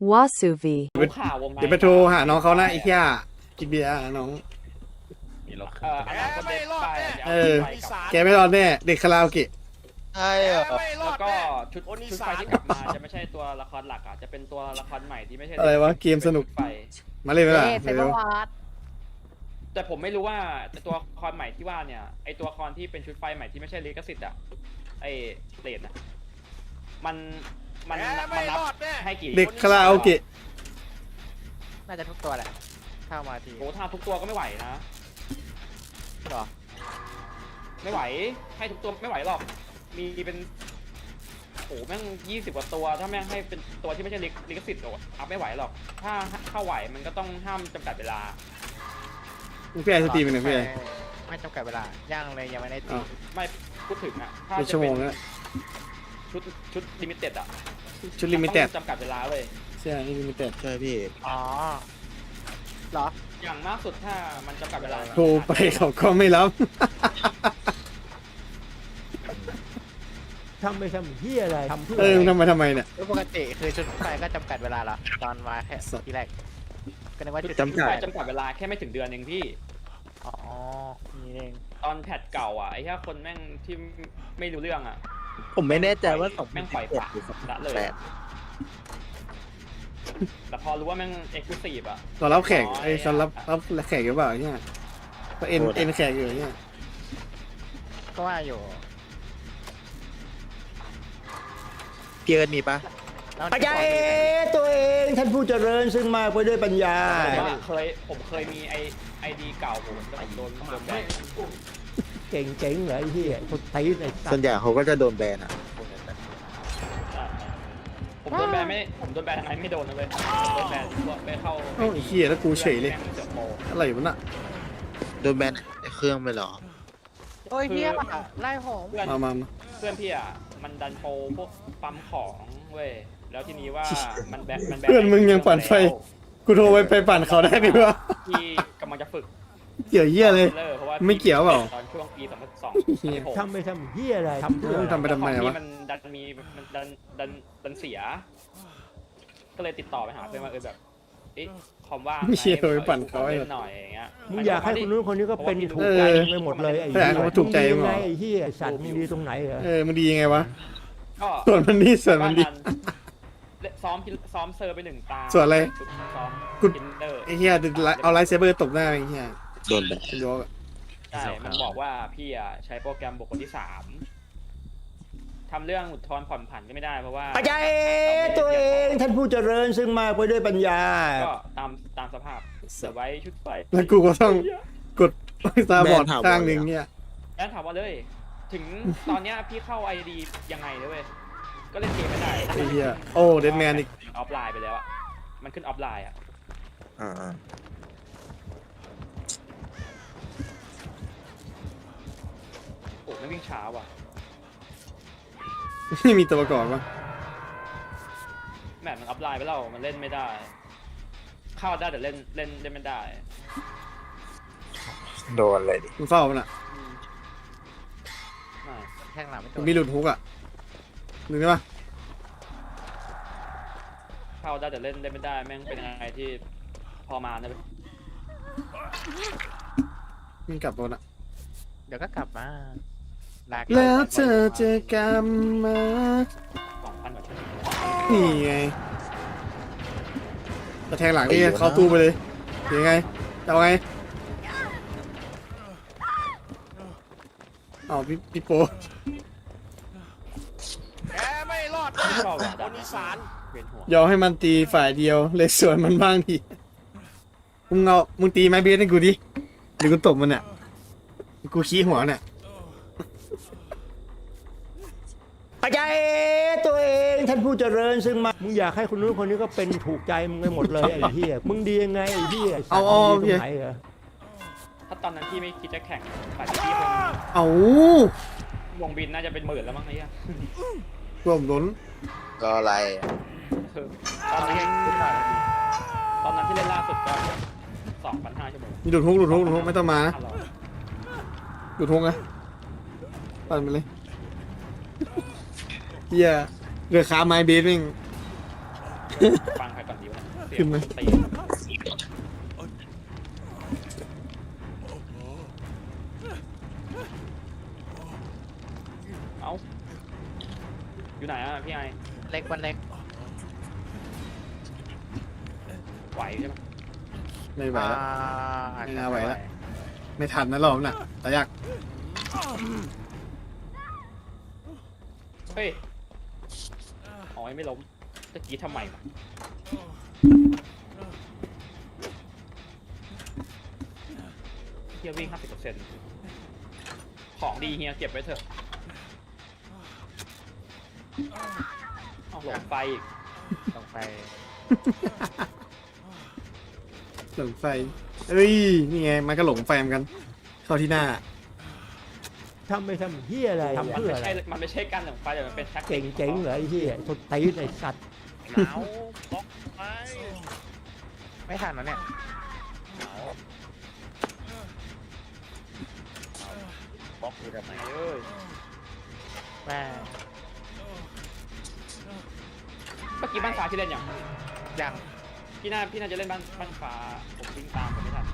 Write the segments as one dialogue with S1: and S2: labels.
S1: Wasuvi
S2: รู้ข่าววงใน
S3: เดี๋ยวไปโทรหาน้องเขานะไอ้เหี้ยกินเบียร์น้อง
S4: มีรถ
S2: อนาคตเด็กไปจะ
S3: เอ
S2: เอา
S3: อ
S2: ไปกับ
S3: แกไม่รอดแน่เด็กคาราโอเกะ
S4: ใช่เหรอ
S2: แล้วก็ชุดไฟที่กลับมาจะไม่ใช่ตัวละครหลักอ่ะจะเป็นตัวละครใหม่ที่ไม่ใช่
S3: อะไรวะเกมสนุก
S2: ไฟ
S3: มาเล่นไหมล่ะ
S5: เซเบ
S3: เร็
S5: อ
S3: ว
S5: ร์วาร์ด
S2: แต่ผมไม่รู้ว่าตัวละครใหม่ที่ว่าเนี่ยไอตัวละครที่เป็นชุดไฟใหม่ที่ไม่ใช่ลิขสิทธิ์อ่ะไอเลดนะมันนับให้กี่
S3: เด็กคาราโอเกะ
S5: น่าจะทุกตัวแหละเข้ามาที
S2: โอ้ถ้าทุกตัวก็ไม่ไหวนะ
S5: หรอ
S2: ไม่ไหวให้ทุกตัวไม่ไหวหรอกมีเป็นโอ้แม่ง20 กว่าตัวถ้าแม่งให้เป็นตัวที่ไม่ใช่ลิขสิทธิ์โอ้อัพไม่ไหวหรอกถ้าเข้าไหวมันก็ต้องห้ามจำกัดเวลา
S3: พี่ไอสตรีมเป็นไงพี่ไอ
S5: ไม่จำกัดเวลาย่างเลยยังไม่ได้ตี
S3: อ้าว
S2: ไม่พูดถึงอ่ะถ้า
S3: เป็น
S2: จะ
S3: ชั่วโม
S2: เป็
S3: ง
S2: น
S3: แล้ว
S2: ชุดลิมิเต็ดอ่ะ
S3: ชุดลิมิเต็ด
S2: จำกัดเวลาเลย
S3: ใช่นี่ลิมิเต็ด
S4: ใช่พี่
S5: อ๋อเหรอ
S2: อย่างมากสุดถ้ามันจำกัดเวลา
S3: โทรไปเขาก็ไม่รับ
S6: ทำไปทำเฮียอะไรทำเพื่อ
S3: เออ
S6: อะไร
S3: ทำไมเนี่ย
S5: ปกติคือชุดไฟก็จำกัดเวลาละตอนมาแค่ทีแรกก็นึกว่า
S2: ชุด
S5: จุด
S2: จำกัดจำกัดเวลาแค่ไม่ถึงเดือนเองพี่
S5: อ๋อนี่เอง
S2: ตอนแพทเก่าอ่ะไอ้แค่คนแม่งที่ไม่รู้เรื่องอ่ะ
S4: ผมไม่แน่ใจว่า
S2: แม่งปล่อยปละละเลย แต่พอรู้ว่าแม่งเอ็กซ์คลูซีฟอ่ะ
S3: ตอนรับแขกไอ้ตอนรับแขกหรือเปล่าเนี่ยก็เอ็นแขกอยู่เนี่ย
S5: ก็ว่าอยู่
S4: พี่เอิร์ธมีปะ
S5: แล้ว
S6: ปัญญาตัวเองท่านผู้เจริญซึ่งมากไปด้วยปัญญา
S2: ผมเคยมีไอดีเก่าผมแต่ผมโดนแบน
S6: เก่งเจ๋งเหรอไอ้เฮียคนตีไอ้สั
S4: ส่
S6: ต
S4: วน
S6: ว์
S4: ใหญ่เขาก็จะโดนแบนอ่ะ
S2: ผมโดนแบนทางไหนไม่โดนนะเลยผมโดนแบนพวกไปเข้า
S3: โอ้ยเหี้ยแล้วกูเฉยเลย
S2: แม่งเสือกโม
S3: อะไรวะน่ะ
S4: โดนแบนเครื่องไปเหรอ
S5: โอ้ยเฮียไล่ผม
S2: เพื่อน
S3: มา
S2: เพื่อนพี่อ่ะมันดันโปรพวกปั๊มของเว้ยแล้วทีนี้ว่ามันแบน
S3: เพื่อนมึงยังปั่นไฟกูโทรไปปั่นเขาได้ดิวะ
S2: ที่กำลังจะฝึก
S3: เกี่ยวเหี้ยเลย
S2: เพราะว่า
S3: ไม่เกี่ยวเปล่า
S2: ตอนช่วงปี
S3: เหี้ย
S2: 2002
S6: ทำไปทำเฮียอะไรทำเพื่อ
S3: ทำไปทำไมวะ
S2: มันดันเสีย ก็เลยติดต่อไปหาเพื่อนว่าแบบเอ๊ะคอมว่าง
S3: ไม่เชื่อเลยปั่นเขาไอ้
S2: เล่นหน่อยอย่างเงี้ย
S6: มึงอยากให้คนนู้นคนนี้ก็เป็นถูกใจมึงไปหมดเลยไอ้
S3: แต่
S6: เหี้ย
S3: เขาถูกใจมึงเหรอ
S6: ไงไอ้เฮียสัตว์มึงดีตรงไหนเหรอ
S3: เออมันดียังไงวะ
S2: ก็
S3: ส่วนมันดีส่วนมันดี
S2: ซ้อมเซอร์ไป1 ตา
S3: ส่วนอะไร
S2: ซ้อม
S3: กู
S2: ทินเดอร์
S3: ไอ้เหี้ยเอาไลท์เซเบอร์ตบหน้าไอ้เหี้ย
S4: โดนแบน
S3: เป็นยกอะ
S2: ใช่มันบอกว่าพี่อ่ะใช้โปรแกรมบุคคลที่3ทำเรื่องอุทธรณ์ผ่อนผันก็ไม่ได้เพราะว่า
S6: ปัญญาตัวเองท่านผู้เจริญซึ่งมากไปด้วยปัญญา
S2: ก็ตามสภาพเสือไว้ชุดไฟ
S3: แล้วกูก็ต้องกดตาบอดข้างหนึ่งเนี่ย
S2: แล้วถามว่าเลย ถึงตอนเนี้ยพี่เข้า ID ยังไงเลยเว้ยก็เล่นเกมไม่ได้
S3: ไอ้เหี้ยโอ้เดนแมนอีก
S2: ออฟไลน์ไปแล้วอ่ะมันขึ้นออฟไลน์อ่ะ
S4: อ่า
S2: โอ้ไม่วิ่งช้าว่ะ
S3: ไม่มีตัวประกอบวะ
S2: แมตช์มันออฟไลน์ไปแล้วมันเล่นไม่ได้ เข้าได้แต่เล่นไม่ได้
S4: โดนเลยดิ
S3: มึงเฝ้ามันอ่ะ
S2: อืมไม่
S5: แท่งหลังไม่โด
S3: มัน
S5: น
S3: มีหลุดฮุกอ่ะนึกได้ปะ
S2: เข้าได้แต่เล่นไม่ได้แม่งเป็นอะไรที่พอมานะเว้ย
S3: มึงกลับรถอ่ะ
S5: เดี๋ยวก็กลับมาลาก
S3: แล้วเธอจะกลับมา
S2: 2,000 กว่าชั่วโมง
S3: นี่ไงจะแทงหลังนี่เข้าตู้ไปเลยยังไงจะเอาไงอ๋อพี่โป
S2: ชอบว่ะดันอีสานเวียนหัวย
S3: อมให้มันตีฝ่ายเดียวเลยส่วนมันบ้างทีมึงตีไม้เบสให้กูดิหรือกูตบมันเนี่ยกูขี้หัวเนี่ย
S6: ปัญญาตัวเองท่านผู้เจริญซึ่งมากมึงอยากให้คนนู้นคนนี้ก็เป็นถูกใจมึงไปหมดเลยไอ้เฮียมึงดียังไงไอ้เฮียสัตว์มึงดีตรงไหนเหรอ
S2: ถ้าตอนนั้นพี่ไม่คิดจะแข่งป่านนี้พี่คง
S3: เอา
S2: วงบินน่าจะเป็น10,000แล้วมั้งไอ้เหี้ย
S3: รวมล้น
S4: ก็อะไรอะ
S2: คือตอนนั้นที่เล่นล่าสุดก็ 2,500 ชั่วโมง
S3: มีดูดฮุกไม่ต้องมานะ
S2: 500
S3: ดูดฮุกนะปั่นไปเลยเฮียเรือค้าไม้เบสเอง
S2: ฟังใครก่อน
S3: ขึ้นไหม
S2: ตีเอาอยู่ไหนอ่ะพี่ไอ
S5: เล็กวันเล็ก
S2: ไหวใช่ไหม
S3: ไม่ไหวแล้ว
S5: อาจ
S3: ไม่
S5: จะ
S3: น่าไหวแล้ว ไม่ทันนะรอบน่ะแต่ยาก
S2: เฮ้ยอ๋อไม่ล้มตะกี้ทำไมวะเฮียวิ่ง 50%ของดีเฮียเก็บไว้เถอะเอาหลงไฟอีก
S5: ลงไป
S3: หลงไฟเอ้ยนี่ไงมันก็หลงไฟเหมือนกัน เข้าที่หน้า
S6: ทำไม่ทำเฮียอะไร
S2: มัน
S6: เพื่อ
S2: ไม่
S6: อะไร
S2: ใช่ มันไม่ใช่การหลงไฟแต่มันเป็นแท็กติ
S6: เก่
S2: ก
S6: งเจ๋งเหรอไอ้เฮียทดตีนไอ้สัตว์
S1: หนาวบล็อกไป
S5: ไม่ทันแล้วเนี่ย
S1: หนาวบล็อกอยู่แบบไหน
S2: เอ้ย
S5: แม่
S2: เมื่อกี้บ้านฟ้าที่เล่นอย่าง
S5: ยัง
S2: พี่น่าจะเล่นบ้านฟ้าผมวิ่งตามผมไม่ทัน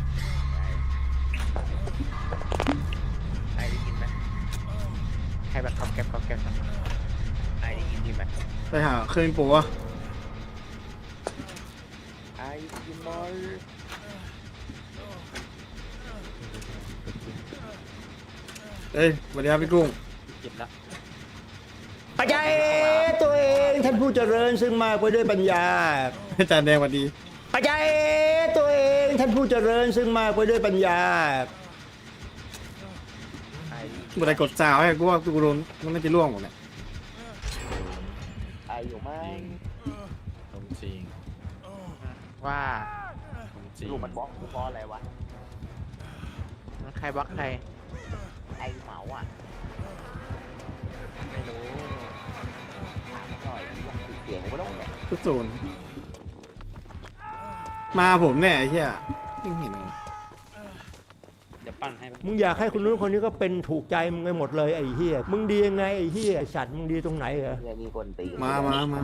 S1: ไอได้ยินไหม
S5: ใครแบบขอบเก็บ
S1: ไอได้ยินดีไหม
S3: ไปหาเครื่องปูวะ
S1: ไอได้ยินไหม
S3: เอ้ยสวัสดีครับพี่กุ้ง
S2: เก็บแล้ว
S6: ปัจจัยตัวเองท่านผู้เจริญซึ่งมากไปด้วยปัญญา
S3: อาจารย์แดงสวัสดี
S6: ปัจจัยตัวเองท่านผู้เจริญซึ่งมากไปด้วยปัญญา
S1: ไอได้ยิน
S3: เมื่อไรกดซาวให้กูว่ากูโดนมันน่าจะล่วงหมดเลย
S1: ไออยู่ไหม
S7: ผมจริง
S5: ว่า
S7: ผมจริง
S1: ลูกมันบล็อกกูเพราะอะไรวะ
S5: ใครบล็อกใคร
S1: ไอเหมาอ่ะไม่รู้ถามหน่อยเสียงกูไม่ต้องเนี่ย
S3: ทุกโซนมาผมแน่ไอ้เหี้ยยังเห็นเลย
S2: เดี๋ยวปั้นให้
S6: มึงอยากให้คนนู้นคนนี้ก็เป็นถูกใจมึงไปหมดเลยไอ้เฮียมึงดียังไงไอ้เฮียไอ้สัตว์มึงดีตรงไหนเหรอ
S1: เนี่ยมีคนตี
S3: มา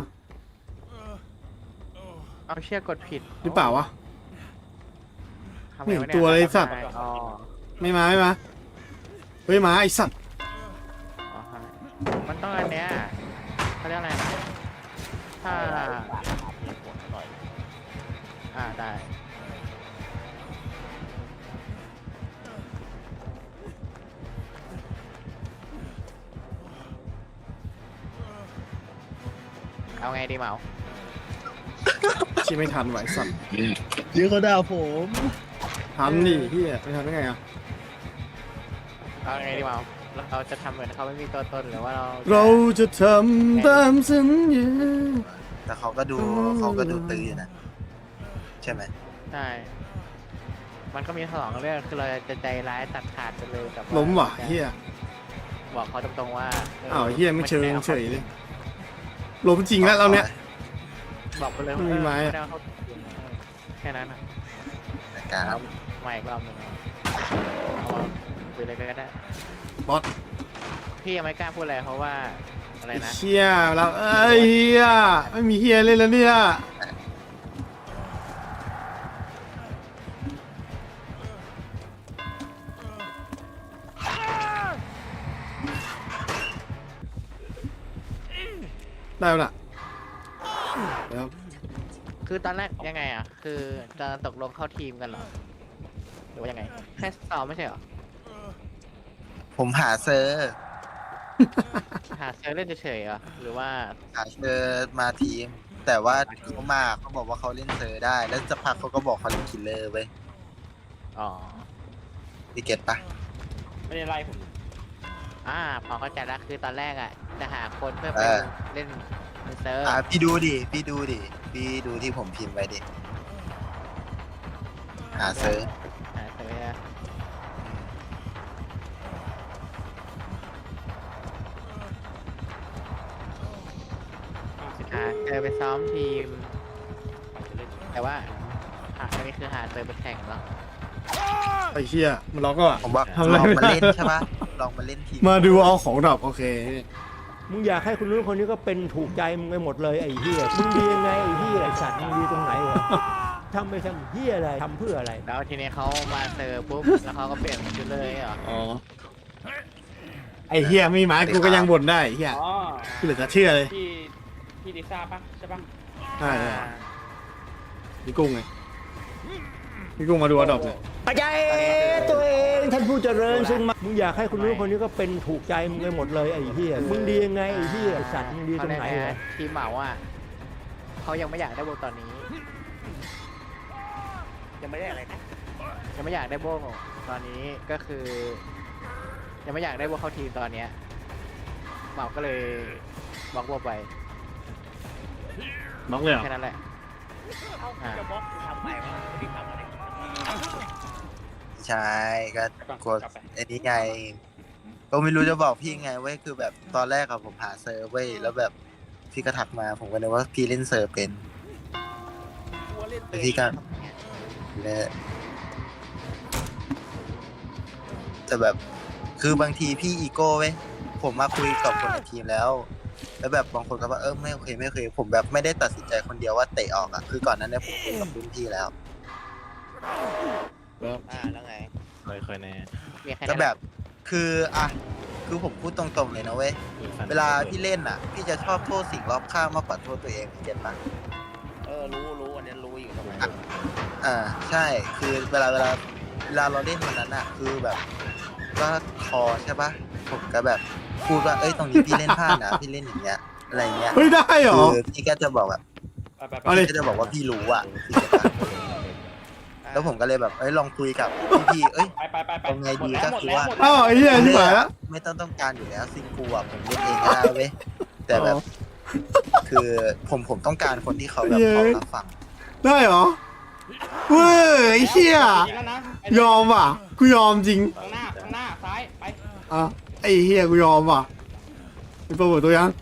S5: เอาเชือกกดผิด
S3: หรือเปล่าวะ
S5: ทำ
S3: ไม่
S5: ไง
S3: เห็น
S5: วะเนี่ย
S3: ตัวเลยสัตว์
S5: อ๋อ
S3: ไม่มาเฮ้ยมาไอ้สัตว์
S5: อ๋อมันต้องอันเนี้ยเขาเรียกอะไรนะถ้า
S1: หน่อย
S5: ได้เอาไงดีเหมา
S3: ชี้ไม่ทันไหวะไอ้สัตว์
S7: เดี๋ยวเขาด่าผม
S3: ทันดิเหี้ยไม่ทันได้ไงอ่ะ
S5: เอาไงดีเหมาเราจะทำเหมือนเขาไม่มีตัวตนหรือว่าเรา
S3: เราจะทำตามสัญญา
S4: แต่เขาก็ดูตื้ออยู่นะ ใช่ไหม
S5: ใช่มันก็มีสองเรื่องคือเราจะใจร้ายตัดขาดไปเลยกับ
S3: ล้มว่ะเหี้ย
S5: บอกเขาตรงๆว่า
S3: อ้าวเหี้ยไม่เชิงเฉยเลยล้มจริงแล้วเราเนี่ย
S5: บอกไปเลย
S3: ไม่มีไม้อะ
S5: ด้เอาเข้าแค่นั้นอะ
S4: นะครับ
S5: มาอีกรอบหนึ่งเอามาคุยอะไรกันก็ได้
S3: บอส
S5: พี่ยังไม่กล้าพูดอะไรเพราะว่าอะไรนะ
S3: เชี่ยเราเอ้ยเฮียไม่มีเฮียเล่นแล้วเนี่ยได้แล้วล่ะเดี๋ยว
S5: คือตอนแรกยังไงอ่ะ คือจะตกลงเข้าทีมกันเหรอหรือว่ายังไงแค่ซ้อมไม่ใช่เหรอ
S4: ผมหาเซอร์
S5: หาเซอร์เล่นเฉยๆเหรอหรือว่า
S4: หาเซอร์มาทีม แต่ว่าเขามาเขาบอกว่าเขาเล่นเซอร์ได้ แล้วสักพักเขาก็บอกเขาเล่นคิลเลอร์เว้ย
S5: อ๋อ
S4: พี่เก็ตปะ
S2: ไม่ได้ไล่ผม
S5: พอเข้าใจแล้วคือตอนแรกอ่ะจะหาคนเพื่อไปเล่นเซอร์
S4: พี่ดูดิ พี่ดูที่ผมพิมพ์ไว้ดิ หาเซอร์
S5: หาเซอร์อะหาเซอร์ไปซ้อมทีม แต่ว่าอันนี้คือหาเซอร์ไปแข่งเหรอ
S3: ไอ้เฮียมันล็อกก็อ่ะ
S4: ผมว่า
S3: ทำอะไร
S4: ลอง
S3: ไม่
S4: มา
S3: ได้
S4: เล่นใช่ปะลองมาเล่นทีม
S3: มาดูเอาของดรอปโอเค
S6: มึงอยากให้คนนู้นคนนี้ก็เป็นถูกใจมึงไปหมดเลยไอ้เหี้ยมึงดียังไงไอ้เหี้ยไอ้สัตว์มึงดีตรงไหนวะทำไปทำเหี้ยอะไรทำเพื่ออะไร
S5: แล้วทีนี้เขามาเซอร์ปุ๊บ แล้วเขาก็เปลี่ยนชุดเลยเหรอ
S3: อ๋อไอ้เฮียไม่มากูก็ยังบ่นได้ไอ้เฮีย
S2: อ๋อ
S3: กูเหลือจะเชื่อเลย
S2: พี่ลิซ่าปะใช่ปะ
S3: ใช่พี่กุ้งไงพี่กุ้งมาดูอดอบเนี่ย
S6: ปัจจัยตัวเองท่านผู้เจริญซึ่งมามึงอยากให้คนนู้นคนนี้ก็เป็นถูกใจมึงไปหมดเลยไอ้เหี้ยมึงดียังไงไอ้เหี้ยไอ้สัตว์มึงดีตรงไหนวะ
S5: ทีมเหมาอ่ะเขายังไม่อยากได้โบตอนนี้
S1: ยังไม่ได้อะไรนะ
S5: ยังไม่อยากได้โบตอนนี้ก็คือ ยังไม่อยากได้โบเข้าทีมตอนเนี้ยเหมาก็เลยบล็อกโบไป
S3: น็อกเลยเหรอ
S5: แค่นั้นแหละ
S1: เอ้าจะบล็อกทำไมวะไม่ได้ทำอะไร
S4: ใช่ก็
S2: ก่อน
S4: กด
S2: กลับไป
S4: ไอ้นี้ไงก็ไม่รู้จะบอกพี่ไงเว้ยคือแบบตอนแรกอะผมหาเซิร์ฟเว้ยแล้วแบบพี่ก็ทักมาผมก็นึกว่าพี่เล่นเซิร์ฟเป็น
S1: กลัวเล่น
S4: แต่พี่ก็และแต่แบบคือบางทีพี่อีโก้เว้ยผมมาคุยกับคนในทีมแล้ว แล้วแบบบางคนก็ว่าไม่โอเคไม่โอเคผมแบบไม่ได้ตัดสินใจคนเดียวว่าเตะออกอะคือก่อนนั้นเนี่ยผมคุยกับรุ่นพี่แล้ว
S1: แล้วไง
S7: เคยแน่
S5: มีแค่
S4: ก็
S5: นั้น
S4: แบบคืออ่ะคือผมพูดตรงๆเลยนะเว้ยเวลาพี่เล่นอ่ะ พี่จะชอบโทษสิ่งรอบข้างมากกว่าโทษตัวเองเก็ตปะ
S1: รู้อันนี้รู้อยู่ทำไม
S4: ใช่คือเวลาเราเล่นวันนั้นอ่ะ คือแบบ ก็คอใช่ปะผมก็แบบพูดว่าเอ้ยตรงนี้พี่เล่นพลาดนะพี่เล่นอย่างเงี้ยอะไรเงี้ย
S3: เฮ้ยได้เหรอ
S4: คือพี่ก็จะบอกแบบ
S2: ไป
S3: เอาเลย
S4: พี่ก็จะบอกว่าพี่รู้อ่ะพี่เก็ตปะแล้วผมก็เลยแบบลองคุยกับพี่เอ้ย
S2: ไป
S4: เอาไงดีก็คือว่า
S3: อ้าวไอ้เหี้ยที่หายแล้ว
S4: ไม่ต้องการอยู่แล้วซิงคูอ่ะผมเล่นเองก็ได้เว้ยแต่แบบ คือผมต้องการคนที่เขาแบบพร้อมรับฟัง
S3: ได้เหรอเว้ยไอ้เหี้ย
S2: แล้วนะ
S3: ยอมว่ะกูยอมจริง
S2: ข้างหน้าซ้ายไป
S3: อ่ะไอ้เหี้ยกูยอมว่ะเป็นโปรโมทตัวยัง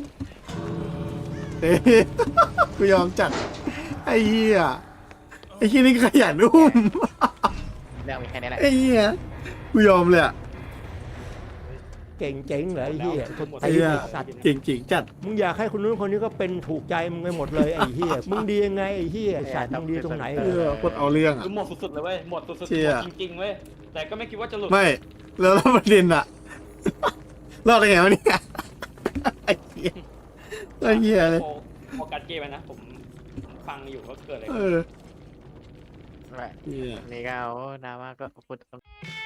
S3: เฮ้ยกูยอมจัดไอ้เหี้ยไอ้เหี้ยนี่ขยันอุ้ม
S5: เรื่องมีแค่นี้แหละ
S3: ไอ้เหี้ยกูยอมเลยอ่ะ
S6: เก่งเจ๋งเหรอไอ้เหี้ยคน
S3: ไอ้
S6: ตี
S3: เหี้ย
S6: สัตว์
S3: เก่งๆจัด
S6: มึงอยากให้คนนู้นคนนี้ก็เป็นถูกใจมึงไปหมดเลยไอ้เหี้ยมึงดียังไงไอ้เหี้ยไอ้สัตว์มึงดีตรงไหน
S3: เออคนเอาเรื่องอ่ะ
S2: คือหมดสุดๆเลยเว้ยหมดสุดๆ
S3: เชี่
S2: หม
S3: ย
S2: ดจริงๆเว้ยแต่ก็ไม่คิดว่าจะหลุด
S3: ไม่แล้วประเด็นอ่ะ รอดได้ไงวะเนี่ยไอ้เหี้ยไอ้เหี้ยเลย
S2: โฟกัสเกมนะผมฟังอยู่ว่าเกิดอะไร
S3: เอ
S2: ขึ้น
S3: อ
S5: นั่นแหละ
S3: เหี้ย
S5: นี่ก็เอาดราม่าก็พูด